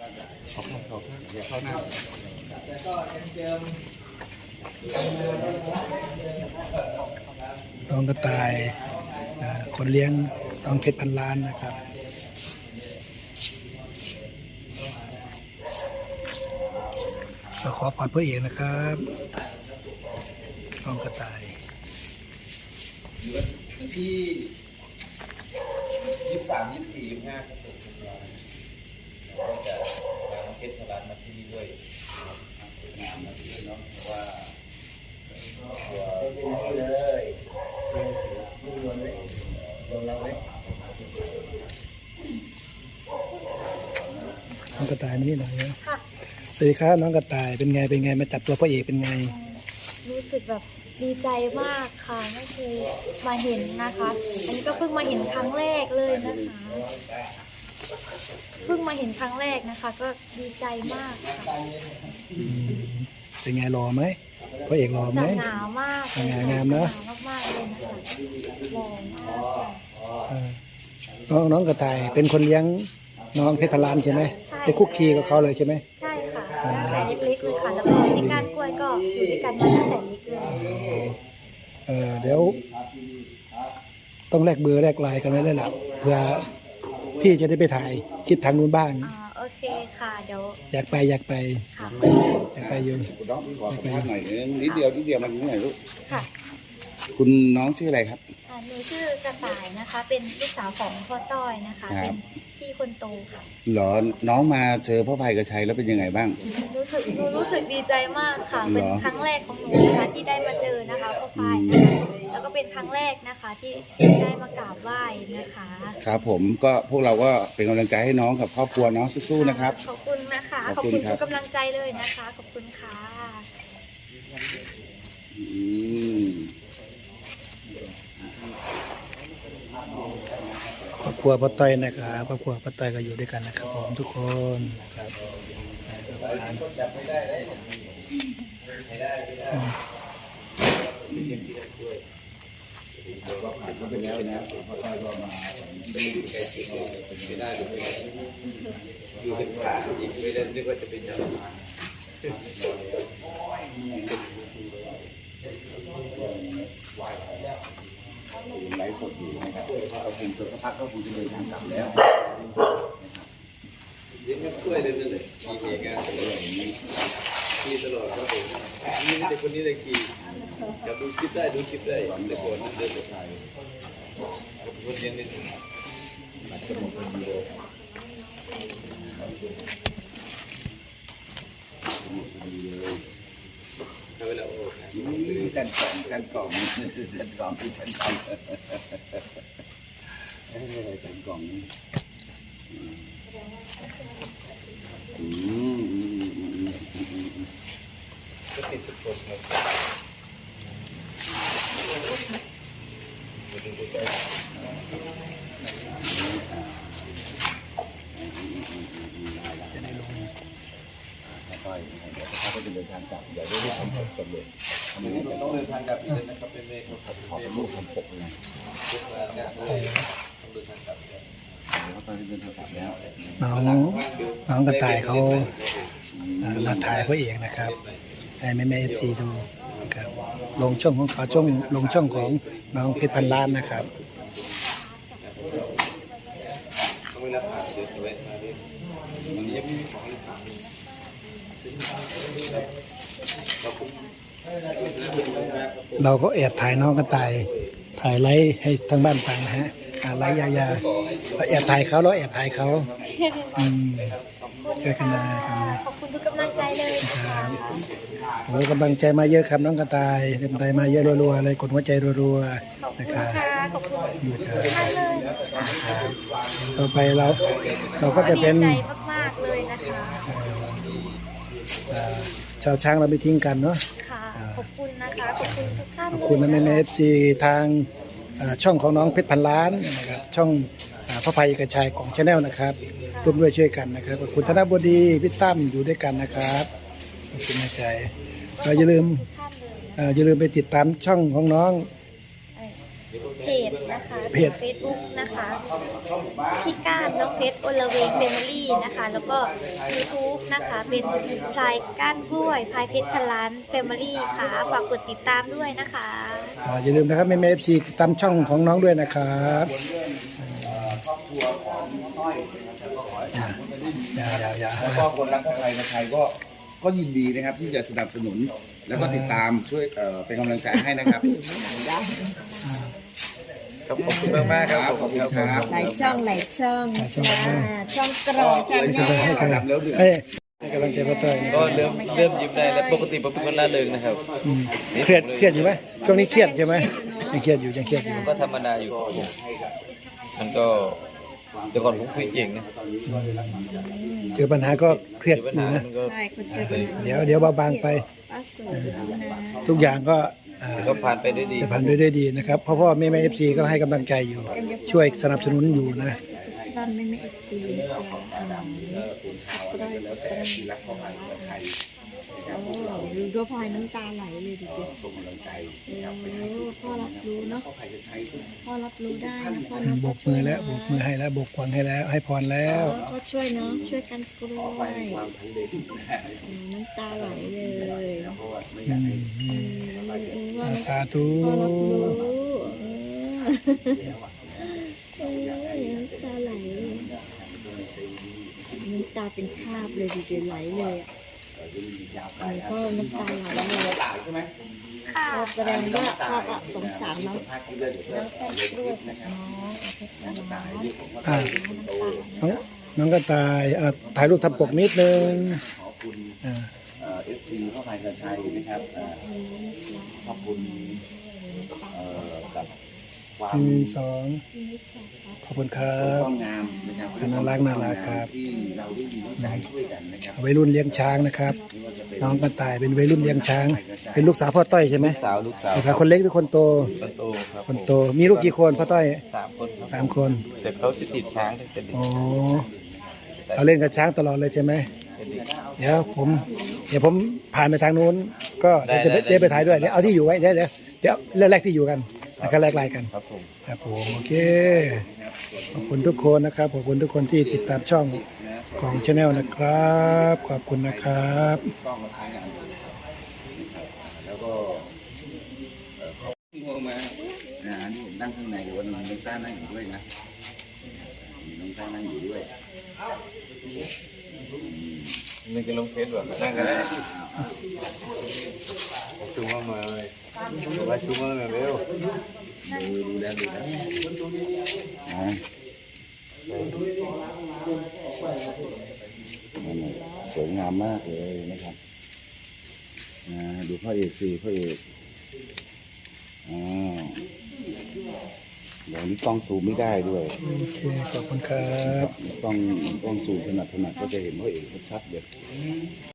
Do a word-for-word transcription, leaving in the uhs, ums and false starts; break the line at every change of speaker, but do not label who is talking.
ขอบคุณขอบคุณเดี๋ยวเข้าหน้า
น้องกระต่ายคนเลี้ยงน้องเพชรพันล้านนะครับเราขอพรพระเอกนะครับน้องกระต่าย
วันที่ยี่สิบสามยี่สิบสี่ยี่สิบห้าครับผมก็จะมาเพชรพลานมาที่นี่ด้วยงานมาที่นี่เนาะว่าตัวเลยดูรวนเลยรวนเราเลย
น้องกระต่ายมานี่หน่อยนะ
ค่ะ
สวัสดีครับน้องกระต่ายเป็นไงเป็นไงมาจับตัวพระเอกเป็นไง
รู้สึกแบบดีใจมากค่ะไม่เคยมาเห็นนะคะ อันนี้ก็เพิ่งมาเห็นครั้งแรกเลยนะคะเพิ่งมาเห็นครั้งแรกนะคะ ก็ดีใจมากค่ะ
เป็นไงรอไหมพระเอกรอไหม
หนาวมาก
งามงามเนาะ
หนาวมากๆเลยนะคะรอมาก
น้องน้องกระต่ายเป็นคนเลี้ยงน้องเพชรพันล้านใช่ไหมได้คุกคีกับเขาเลยใช่ไหม
ใช่ค่ะตั้งแต่เล็กๆเลยค่ะแล้วก็ในการกล้วยก็อยู่ด้วยกันมาตั้งแต่เล็กเลย
เออเดี๋ยวต้องแลกเบอร์แลกไลน์กันไว้เลยล่ะเพื่อพี่จะได้ไปถ่ายคลิปทางนู้นบ้าง
อ่าโอเคค่ะเดี๋ยว
อยากไปอยากไป
ค่ะ
อยากไปอยู่
คุณน้องขอสัมภาษณ์หน่อยนึงนิดเดียวนิดเดียวมันนิดหน่อยลูก
ค่ะ
คุณน้องชื่ออะไรครับ
หนูชื่อกระต่ายนะคะเป็นลูกสาวของพ่อต้อยนะคะเป็นพี่คนโตค่ะ
หรอน้องมาเจอพ่อภัยกระชัยแล้วเป็นยังไงบ้าง
รู้สึกหนูรู้สึกดีใจมากค่ะเป็นครั้งแรกของหนูนะคะที่ได้มาเจอนะคะพ่อภัยนะคะแล้วก็เป็นครั้งแรกนะคะที่ได้มากราบไหว้นะคะ
ครับผมก็พวกเราก็เป็นกำลังใจให้น้องกับครอบครัวน้องสู้ๆนะครับ
ขอบคุณนะคะขอบคุณทุกกำลังใจเลยนะคะขอบคุณค่ะ
อืม
ครอบครัวป้าต้อยนะครับครอบครัวป้าต้อยก็อยู่ด้วยกันนะครับผมทุกคนครับ
ก็เป็นแล้วนะพ่อต้อยก็มาดูแกจริงไม่ได้ดูเป็นขาอีกไม่ได้นึกว่าจะเป็นอย่างไรไลฟ์สดอยู่นะครับเราคงจะสักพักก็คงจะเดินทางกลับแล้วเลี้ยงกล้วยเลยนั่นเลยขี่เองอ่ะขี่ตลอดครับผมนี่เด็กคนนี้เลยขี่จะดูคลิปได้ดูคลิปได้เด็กคนนั้นเดินไปใส่คนเลี้ยงนิดนึงอาจจะหมดคนเดียวเวลาโอ้จันกล่องจันกล่องจันกล่องคือจันกล่องจันกล่องอืมก็ติดทุกคนครับ
จะได้ลง
ค่อยๆเดี๋ยวถ้าเขาจะเดินทางกลับเดี๋ยวได้ทำจบเลยทำไมต้องเดินทางกลับอีกเลยนะครับเป็นเมฆขอบขอบลูกผมปกเลยทุกงานเนี่ยต้องเดินทางกลับแล้วตอนนี้เดินทางกลับแล้ว
น้องน้องกระต่ายเขามาถ่ายพระเอกนะครับให้แม่แม่เอฟซีดูนะครับลงช่องของเขาช่องลงช่องของน้องเพชรพันล้านนะครับ
เวลาผ่านเดินไปมาด้วยวันนี้ยังไม่มีของเลยผ่าน
เราก็แอบถ่ายน้องกระต่ายถ่ายไลฟ์ให้ทางบ้านฟังนะฮะไลฟ์ยายาเราแอบถ่ายเขาเราแอบถ่ายเขาอืมช่วยกันนะ
ขอบคุณทุกกำลังใจเลยครับ
โอ้กำลังใจมาเยอะครับน้องกระต่ายเป็นไปมาเยอะรัวๆเลยกดหัวใจรัวๆนะครับ
ขอบคุณมากเลย
ต่อไปเราเราก็จะเป็น
ดีใจมากๆเลยนะคะ
ชาวช้างเราไม่ทิ้งกันเนาะ
ค่ะขอบคุณนะคะขอบคุณทุกท่าน
ขอบคุณนะแม่แม่เอฟซีทางช่องของน้องเพชรพันล้านนะครับช่องพระภัยกระชายของชาแนลนะครับร่วมด้วยช่วยกันนะครับขอบคุณธนบดีพี่ตั้มอยู่ด้วยกันนะครับขอบคุณนะใจอย่าลืมอย่าลืมไปติดตามช่องของน้อง
เพจนะคะ
เพจ
เฟซบุ๊กนะคะพี่ก้านน้องเพชรอลเวงเฟมิลี่นะคะ แล้วก็ YouTube นะคะเป็นพลายก้านกล้วยพลายเพชรพันล้านเฟมิลี่ค่ะฝากกดติดตามด้วยนะคะ
อ่าอย่าลืมนะครับแม่แม่เอฟซีติดตามช่องของน้องด้วยนะครับ
ครอบครัวของน้อยนะครับก็ขอให้ทำ
อย่าอย่าอย่า
แล้วก็คนรักใครใครก็ก็ยินดีนะครับที่จะสนับสนุนแล้วก็ติดตามช่วยเอ่อเป็นกำลังใจให้นะครับ
ครับขอบคุณมากมากๆครับ
ขอบคุณครับ
หลายช่องหลายช่อง
หลายช่อง
จ้าช่องกรองช่อง
เลย
แน
ให้
ว
กำลังแล้วเดือด
ให้ให้กำลังใจพ่อต้อยนะค
ก็
รับ
เริ่มเริ่มยิ้มได้แล้วปกติผมเป็นคนร่าเริงนะครับ
อืมเครียดเครียดอยู่ไหมช่วงนี้เครียดใช่ไหมยังเครียดอยู่ยังเครียดอยู่
ก็ธรรมดาอยู่ครับผมมันก็แต่ก่อนผมคุยเก่งนะ
เจอปัญหาก็เครียด
เดี๋ยว
อ
ปัญ
ยู่
หา
นะ
มันก็
ใช่คนเจอปัญหา
เดี๋ยวเดี๋ยวเบาบางไป
ป้าสวยนะ
ทุกอย่างก็อ่า
ก็ผ่านไปด้วยดี
จะผ่านไปด้วยดีนะครับเพราะพ่อแม่แม่เอฟซีก็ให้กำลังใจอยู่ ช่วยสนับสนุนอยู่นะ
บ้านไม่ไม่เอฟซี
เป็นชาวอะไรก็แล้วแต่ที่รักพ่อพันธุ์ประชัยนะครับพวกเรา
ดูด้วยพลอยน้ำตาไหลเลยดิเจ๊
ส่งกำลังใจ
โอ้พ่อรับรู้เนาะ
พ่อพันธุ์จะใช้ทุก
พ่อรับรู้ได้นะพ่อ
อืม
เนาะ
โบกมือแล้วโบกมือให้แล้วโบกควังให้แล้วให้พรแล้ว
ก็ช่วยเนาะช่วยกันกล้
พ่อ
ว
พัน
ย
ธุ์ความทันเด็ดนะฮะ
น้ำตาไหลเลย
เพราะว่าไม่อยากให้
เออว่า
สาธุ
พ่อรับรู้เออ
แล้วอ่ะ
เออน้ำตาไหลน้ำตาเป็นคราบเลยดิเจ๊ไหลเลยอ่ะ
เราจะมียาวไป
พ่อน้ำตาไหลเลย
ตายใช่ไหม
ค่ะ
ก็แสดงว่าพ่อก็สงสารน้อง
ภาคที่เลือดเดี๋ยวจะ
น้องแป้ง
เลือด
กล้วย
นะครับ
น้องเอาเพชรน้อง
ตายลูกของพ่อ
อ่า
คนโต
น้องน้องก็ตายอ่ะถ่ายรูปทำปกนิดนึง
ขอบคุณ
อ่า
เอฟซีพ่อพันธุ์กระชัยนะครับเอ่อขอบคุณเอ่อกับความ
หนึ่งสองขอบคุณครั
สวย
บ
ความงามนะครับ
น่ารักน่ารักครับ
ที่เราได้มีน้ำใจช่วยกันนะครับ
วัยรุ่นเลี้ยงช้างนะครับ
ไม่ว่าจะเป็น
น้องก็ตายเป็นวัยรุ่นเลี้ยงช้าง เป็นลูกสาวพ่อต้อยใช่ไหม
สาวลูกสาว
นะครับคนเล็กหรือคนโต
คนโตครับ
คนโตมีลูกกี่คนพ่อต้อย
สามคนครับ
สามคน
แต่เขาจะติดช้างตั้งแต่เด็ก
โอ้เราเล่นกับช้างตลอดเลยใช่ไหม
แต่เด็ก
เดี๋ยวผมเดี๋ยวผมผ่านไปทางนู้น ก็เดี๋ยวจะไปเดี๋ยวไปถ่ายด้วยเดี๋ยวเอาที่อยู่ไว้เดี๋ยวเดี๋ยวเดี๋ยวเรื่องแรกที่อยู่กันแล้วก็แลกไลน์กัน
ครับผม
ครับผมโอเคขอบคุณทุกคนนะครับขอบคุณทุกคนที่ติดตามช่องของชาแนลนะครับขอบคุณนะครับ
กล้องมาใช้งานเลยนะครับแล้วก็เอ่อเขาที่ลงมาอ่าอันนี้ผมนั่งข้างในวันนี้น้องต้านั่งอยู่ด้วยนะมีน้องต้านั่งอยู่ด้วย
นี่ก็ลงเฟซแบบนั่งกันได้ชูมามาเลยมาชูมาเลยเร็ว
ดูดูแล้วดูแล้วอ่านั่นน่ะสวยงามมากเลยนะครับอ่าดูพ่อเอกสิพ่อเอกอ่าเดี๋ยวนี้กล้องซูมไม่ได้ด้วย
โอเคขอบคุณครับ
กล้องกล้องซูมถนัดถนัดก็จะเห็นพ่อเอกชัดๆเลย